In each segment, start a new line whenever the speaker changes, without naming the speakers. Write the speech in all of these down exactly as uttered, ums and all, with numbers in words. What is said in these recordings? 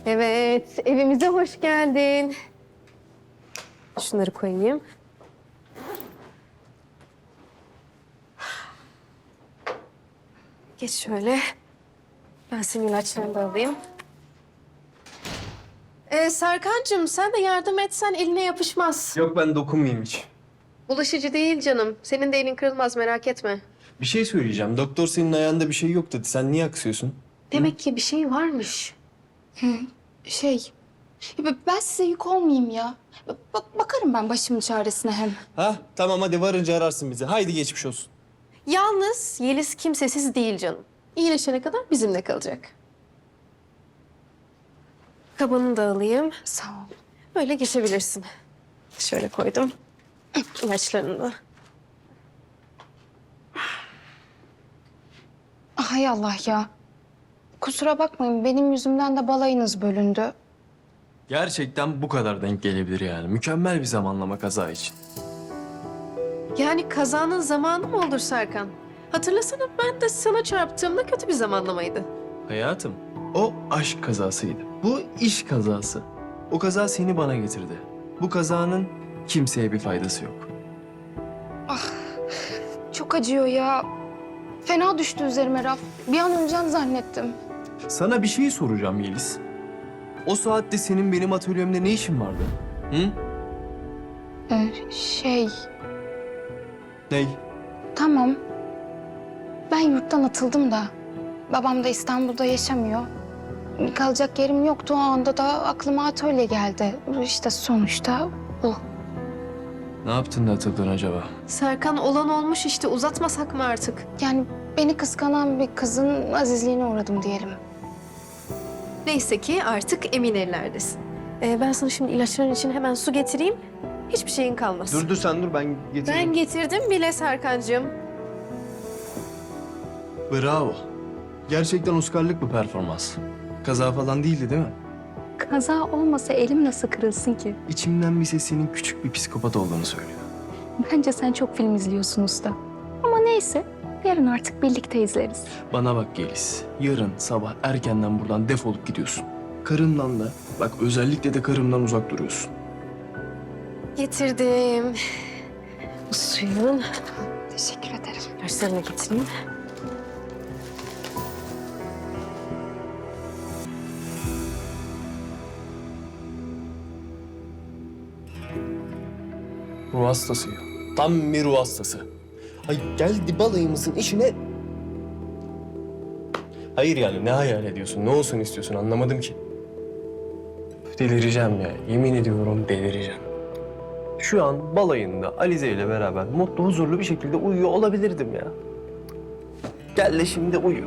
Evet, evimize hoş geldin. Şunları koyayım. Geç şöyle. Ben senin ilaçlarını da alayım. Ee, Serkancığım sen de yardım etsen eline yapışmaz.
Yok ben dokunmayayım hiç.
Bulaşıcı değil canım. Senin de elin kırılmaz merak etme.
Bir şey söyleyeceğim. Doktor senin ayağında bir şey yok dedi. Sen niye aksıyorsun?
Demek ki bir şey varmış.
Şey, ya ben size yük olmayayım ya. Bak bakarım ben başımın çaresine hem.
Ha tamam hadi varınca ararsın bizi. Haydi geçmiş olsun.
Yalnız Yeliz kimsesiz değil canım. İyileşene kadar bizimle kalacak. Kabını da alayım.
Sağ ol.
Böyle geçebilirsin. Şöyle koydum. İlaçlarını da.
Ah, hay Allah ya. Kusura bakmayın benim yüzümden de balayınız bölündü.
Gerçekten bu kadar denk gelebilir yani. Mükemmel bir zamanlama kaza için.
Yani kazanın zamanı mı olur Serkan? Hatırlasana ben de sana çarptığımda kötü bir zamanlamaydı.
Hayatım, o aşk kazasıydı. Bu iş kazası. O kaza seni bana getirdi. Bu kazanın kimseye bir faydası yok.
Çok acıyor ya. Fena düştü üzerime Raf. Bir an öleceksin zannettim.
Sana bir şey soracağım Yeliz. O saatte senin benim atölyemde ne işin vardı? Hı?
Ee, şey,
Ney?
tamam. Ben yurttan atıldım da. Babam da İstanbul'da yaşamıyor. Kalacak yerim yoktu. O anda da aklıma atölye geldi. İşte sonuçta bu.
Ne yaptın da atıldın acaba?
Serkan olan olmuş işte uzatmasak mı artık?
Yani beni kıskanan bir kızın azizliğine uğradım diyelim.
Neyse ki artık emin ellerdesin. Ee, ben sana şimdi ilaçların için hemen su getireyim. Hiçbir şeyin kalmaz.
Dur dur sen dur ben getireyim.
Ben getirdim bile Serkancığım.
Bravo. Gerçekten Oscar'lık bir performans. Kaza falan değildi değil mi?
Kaza olmasa elim nasıl kırılsın ki?
İçimden bir ses senin küçük bir psikopat olduğunu söylüyor.
Bence sen çok film izliyorsun usta. Ama neyse, yarın artık birlikte izleriz.
Bana bak Yeliz. Yarın sabah erkenden buradan defolup gidiyorsun. Karımdan da, bak özellikle de karımdan uzak duruyorsun.
Getirdim. Bu suyun
Teşekkür ederim.
ilaçlarını getireyim.
Ruh hastası ya. Tam bir ruh hastası. Ay geldi balayımızın işine... Hayır yani ne hayal ediyorsun, ne olsun istiyorsun anlamadım ki. Delireceğim ya, yemin ediyorum delireceğim. Şu an balayında Alize ile beraber mutlu, huzurlu bir şekilde uyuyor olabilirdim ya. Gel de şimdi uyu.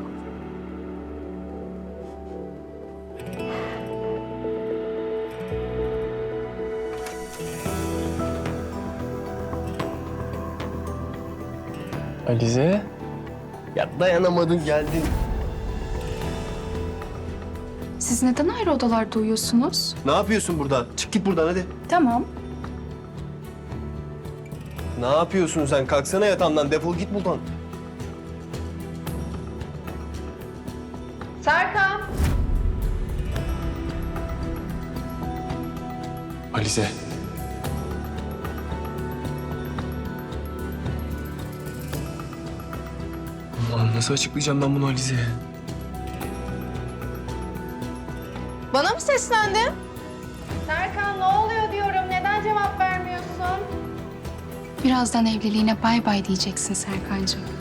Alize? Ya dayanamadın geldin.
Siz neden ayrı odalarda uyuyorsunuz?
Ne yapıyorsun burada? Çık git buradan hadi.
Tamam.
Ne yapıyorsun sen? Kalksana yatağımdan, defol git buradan.
Serkan!
Alize. Allah'ım nasıl açıklayacağım ben bunu Alize'ye?
Bana mı seslendin? Serkan ne oluyor diyorum. Neden cevap vermiyorsun?
Birazdan evliliğine bay bay diyeceksin Serkancığım.